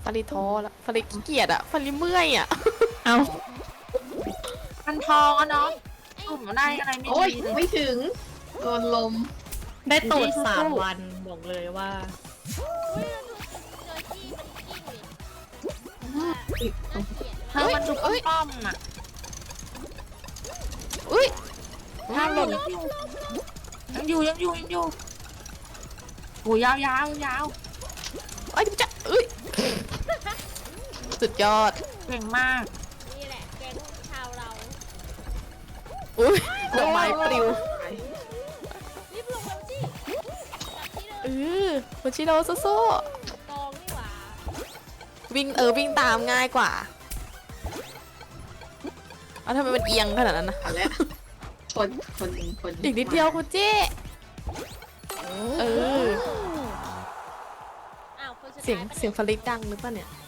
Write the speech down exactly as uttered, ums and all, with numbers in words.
าริท้อแล้วฟาริขี้เกียจอะฟาริเมื่อยอะเอามันทองอะเนาะผมได้อะไรไม่โอ้ยดีเลยไม่ถึงโดนลมได้ตูดสู้ๆสามวันบอกเลยว่าอุ้ยเราดูเจอจี้มันกิ้งดิเธอมันดูเอ้ยป้อมๆอะอุ้ยถ้าหล่นยังอยู่ยังอยู่ยังอยู่โอ้ยาวยาวยาวไอ้ยจะเอ้ยสุดยอดเก่งมากนี่แหละแก๊งชาวเราอุ้ยดอกไม้ปลิวรีบลงแล้วจี้จับที่เดิเอมอคุณชิโร่สู้กองนี่หว่าๆวิ่งเออวิ่งตามง่ายกว่าเอาทำไมมันเอียงขนาดนั้นนะเอาแล้วคนคนคนอีกนิดเดียวคุณเจ้เอออ้าวคนสุดท้ายเสียงปะนี่เสียงฟาริดังหรือเปล่าเนี่ย